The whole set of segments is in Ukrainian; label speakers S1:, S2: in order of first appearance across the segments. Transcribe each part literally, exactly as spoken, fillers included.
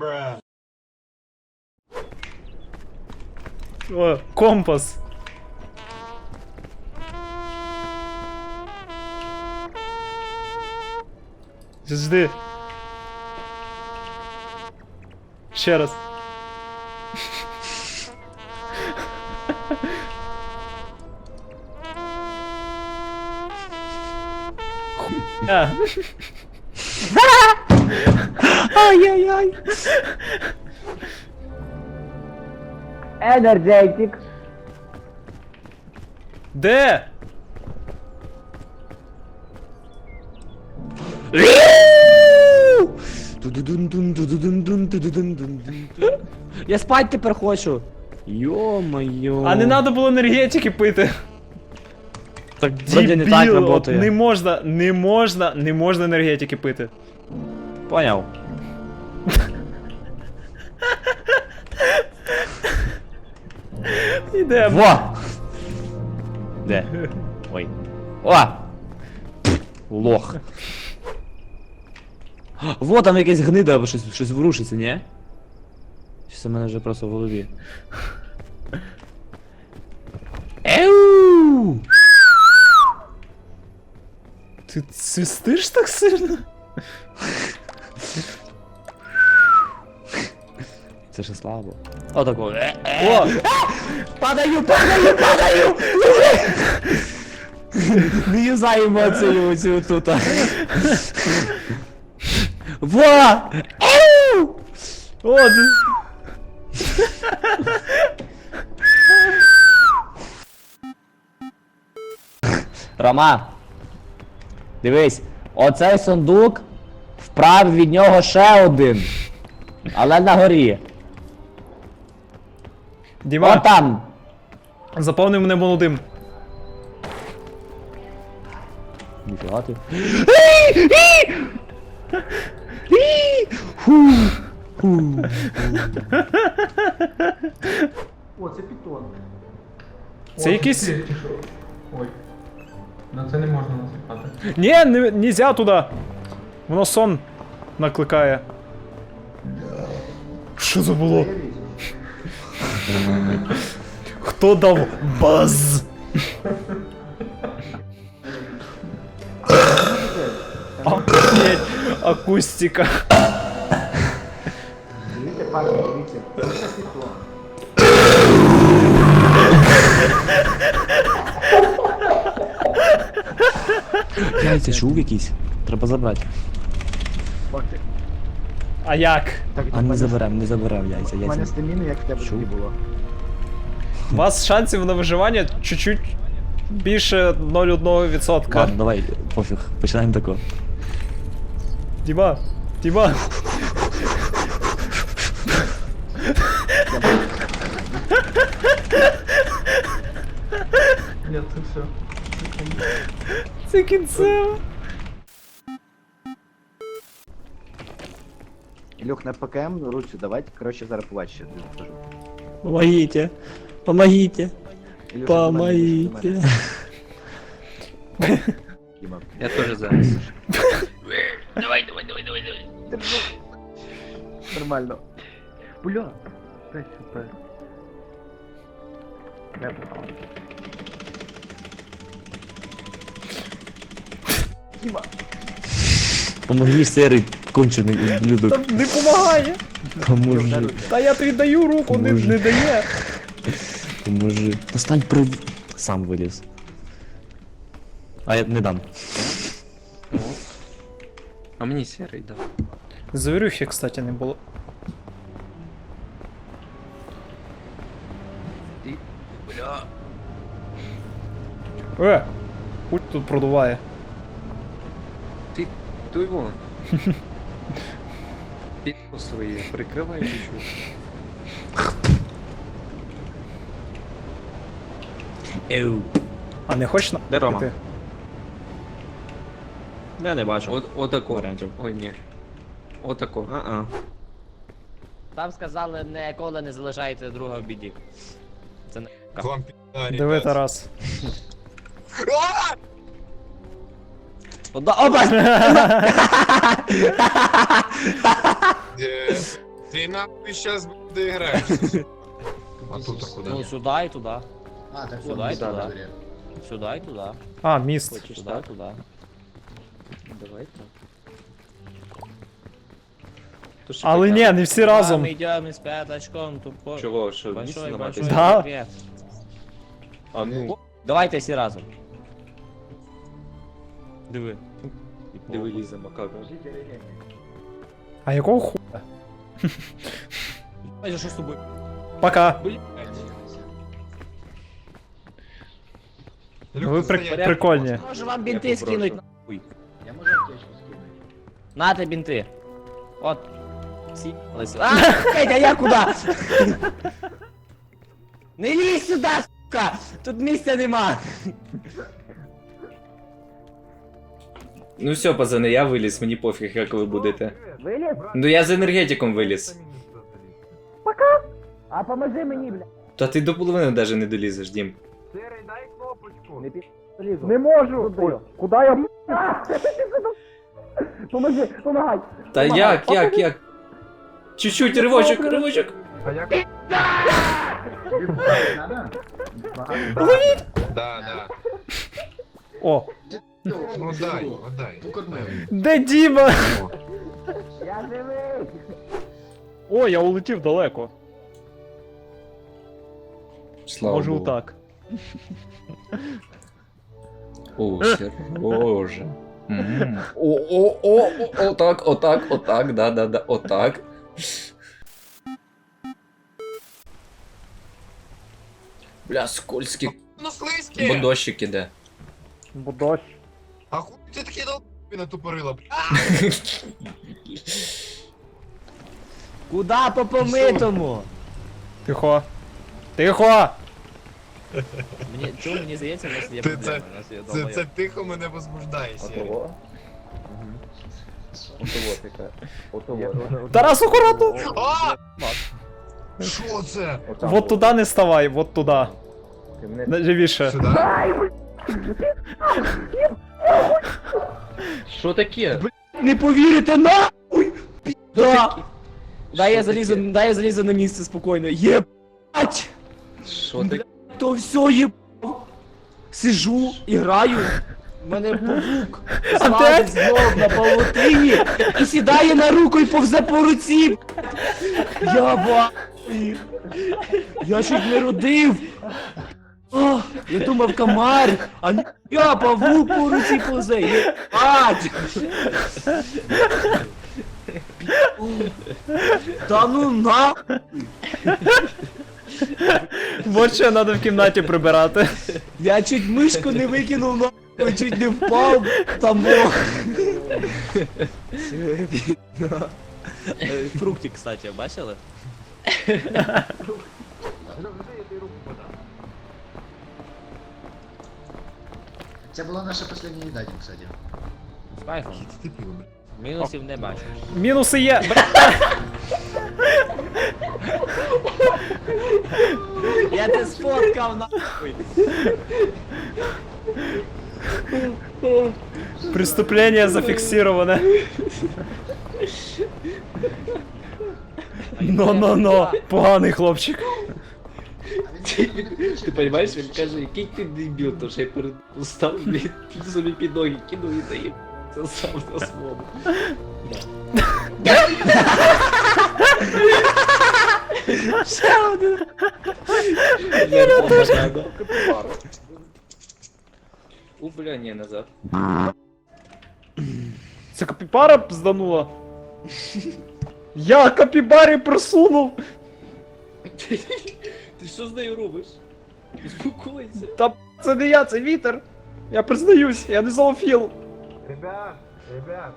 S1: О, компас. Жди. Ще раз. Хуя.
S2: Ай-яй-яй. Енергетик.
S1: Де?
S2: Я спать тепер хочу. Йо-моє.
S1: А не надо було енергетики пити.
S2: Так вроде не так
S1: Дебіл, от
S2: работає.
S1: не можна, не можна, не можна енергетики пити.
S2: Поняв.
S1: Ідемо.
S2: Во! Де? Ой. О! Лох. Во, там якась гнида або щось, щось ворушиться, ні? Щось у мене вже просто в голові. Еу!
S1: Ти свистиш так сильно?
S2: Це ще слабо. О, такого.
S1: О!
S2: Падаю, падаю, падаю! Не юзай емоцію оцю тут. Во! Еу!
S1: О, ти...
S2: Рома, дивись, оцей сундук, вправ від нього ще один. Але на горі. О
S1: Діма,
S2: там.
S1: заповни мене молодим.
S2: Ніфіга ти.
S3: О, це пітон.
S1: Це
S3: О,
S1: якийсь-
S3: ти пішов. Ой. На це не можна насипати.
S1: Ні, не, нельзя туди. Воно сон накликає. Що це було? Хто дав баз? Охуєть, акустика.
S3: Дивіться, парні, дивіться. Це пітон.
S2: Яйця чув якийсь? Треба забрати.
S1: А як?
S4: Так,
S2: А не заберем, не заберем яйця,
S4: У мене
S2: яйця.
S4: стаміни, як в тебе
S2: Чув?
S4: тоді було.
S1: У вас шансів на виживання чуть-чуть більше нуль цілих одна відсотка.
S2: Ладно, давай, пофіг, починаємо тако.
S1: Діма, Діма.
S3: Ні, це все.
S1: Це кінцево.
S4: Ілюх, на ПКМ руцю давайте, коротше, зараз побачиш, що я тобі покажу.
S2: Помогите, помогите,
S4: Ілюша, до мене йди, до
S2: помогите.
S4: мене. Діма.
S5: Я тоже зараз.
S4: Держу. Нормально. Бля. п'ять хп. Не попав. Діма.
S2: Помоги, серий кончений
S1: Та
S2: ублюдок.
S1: не помагає.
S2: Поможи,
S1: Та я тобі даю руку, не,
S2: Боже.
S1: не дає.
S2: поможи. Достань при... Сам виліз. А я не дам.
S5: А мені сірий дав.
S1: Завірюхи, кстати, не було.
S5: Ти. Бля.
S1: Е! Хуй тут продуває.
S5: Ти. Туй вон. Підку свої прикривай чуть-чуть.
S2: Еу.
S1: А не хочеш на...
S2: Де Рома?
S1: піти?
S2: Я не бачу.
S5: От, отако.
S2: Варіантів.
S5: Ой, ні. Отако.
S2: А-а.
S6: Там сказали, ніколи не залишайте друга в біді. Це не
S1: Диви, Тарас.
S2: Ода... Опа!
S7: Ты нахуй сейчас доиграешься.
S3: А тут куди?
S6: Ну, сюди і туди.
S8: А, так
S6: Сюди
S8: вот,
S6: і
S8: да,
S6: туди. Сюди і туди.
S1: А, міст.
S5: Хочеш
S6: Сюди і
S5: так?
S6: туди.
S5: Давай так. То що
S1: Але
S5: таке?
S1: ні, не всі разом.
S6: Ми йдемо із п'ятачком, тупо.
S5: Чого, що, місце
S6: Большой,
S5: ламати?
S6: большой
S1: Да.
S6: секрет.
S5: А ну,
S6: Давайте всі разом. Диви.
S5: диви Ліза Макака.
S1: А якого ху...
S6: Бачиш, що з тобою?
S1: Пока.
S6: Блядь.
S1: Ви при... прикольні.
S6: Може вам бінти
S5: Я попрошу.
S6: скинуть нахуй.
S8: Я можу аптечку скинути.
S6: Нате бінти. От. Всі. Лисі. А, Петя, я куди? Не лізь сюди, сука! Тут місця нема.
S5: Ну все, пацани, я виліз, мені пофіг, як ви будете.
S6: Виліз?
S5: Ну я з енергетиком виліз.
S6: А поможи мені, бля.
S5: Та ти до половини навіть не долізеш, Дім.
S3: Сирий, дай кнопочку.
S6: Не під... Лізу.
S1: Не можу. Ой, куди я?
S6: Поможи, помагай.
S5: Та як, як, як? Чуть-чуть, ривочок, ривочок.
S3: А як?
S8: Надо?
S7: Да, да.
S1: О,
S7: Ну дай, отдай.
S8: Покормив.
S1: де Діма?
S6: Я живий.
S1: О, я улетів далеко.
S5: Слава
S1: Може
S5: Богу.
S1: отак.
S5: О, сер... Боже. М. О, о, о, о, отак, отак, отак, да, да, да, отак. Бля, скользкий
S7: Ну слизькі!
S5: бодощик іде.
S1: Бо дощ.
S7: А хуй ти такий долбі натупорила?
S6: Куда по помитому?
S1: Тихо. Тихо!
S6: Мені, чому мені здається, у нас є
S7: Ти
S6: проблеми.
S7: це-
S6: У нас є
S7: Це,
S6: долбойоб.
S7: це тихо мене возбуждає, Сірий.
S5: Отого? Отого така. Отого.
S1: Тарас, акуратно!
S7: А! Що це?
S1: Вот туди не ставай, вот туди. Живіше.
S7: Сюди?
S5: Що таке?
S6: Не повірите, нахуй! Да. Дай я залізу, дай я залізу на місце спокійно. Єбать!
S5: Що таке?
S6: То все єбав. Сижу, і граю. У мене павук злазить знов на павутині і сідає на руку і повзе по руці. Я ба... Я чуть не родив. О, я думав комар, а ні, я павук по руці повзе. Єбать! Та ну на...
S1: Вот що треба в кімнаті прибирати.
S6: Я чуть мишку не викинув, нахуй, чуть не впав, там бог. Фрукти, кстати, бачили?
S8: Це була наша остання їда, кстати.
S6: З кайфом. Мінусів не бачу.
S1: Мінуси є. Бля.
S6: Я тебе сфоткав, нахуй.
S1: Преступлення зафіксироване. Но-но-но, поганий хлопчик.
S5: Ти розумієш, він каже, який ти дебіл, то що я перед устав, блін, собі під ноги кинув і заїв. Це сам на свободу.
S6: Ще один.
S5: Я теж. У, бля, ні, назад.
S1: Це капібара зданула. Я капібарі просунув.
S5: Ти що з нею робиш? Успокойся.
S1: Та це не я, це вітер. Я признаюсь, я не зоофіл.
S3: Ребят, ребят.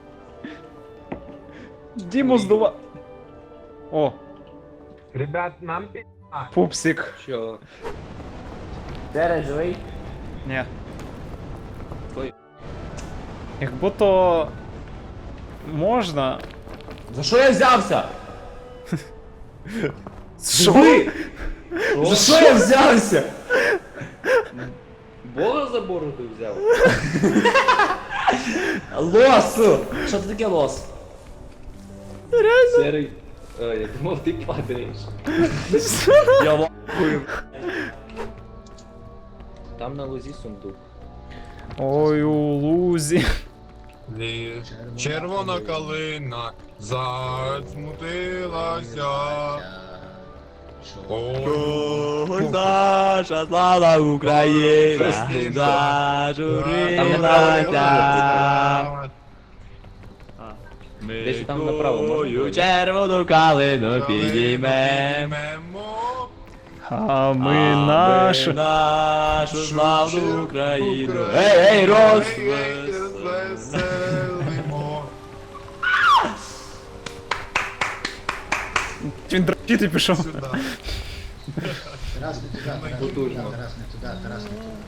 S1: Діму здува. О,
S3: Ребят, нам пі...
S1: пупсик.
S5: Що?
S6: Тере живий?
S1: Ні.
S5: Ой.
S1: Як будто можна.
S6: За що я взявся?
S1: Що?
S6: За що я взявся?
S5: Бога за бороду взяв?
S6: Лос! Що це таке лос?
S5: Серий. А, я думав, ти падаєш.
S6: Я лахую.
S5: Там на лозі сундук.
S1: Ой, у лузі.
S7: Лі... Червона калина засмутилася. Ой,
S6: Наша слава Україна, зажурилася.
S5: Десь там направо можна
S6: Мою
S5: пройти?
S6: червону калину підіймем.
S7: підіймемо
S1: А ми
S6: А
S1: нашу.
S6: нашу славну Україну. Ей, ей, розвес.
S7: розвеселимо.
S1: Він дрочити пішов.
S7: Сюди.
S8: Тарас не туди, Тарас не туди,
S5: Потужно.
S8: Тарас не туди, Тарас не туди.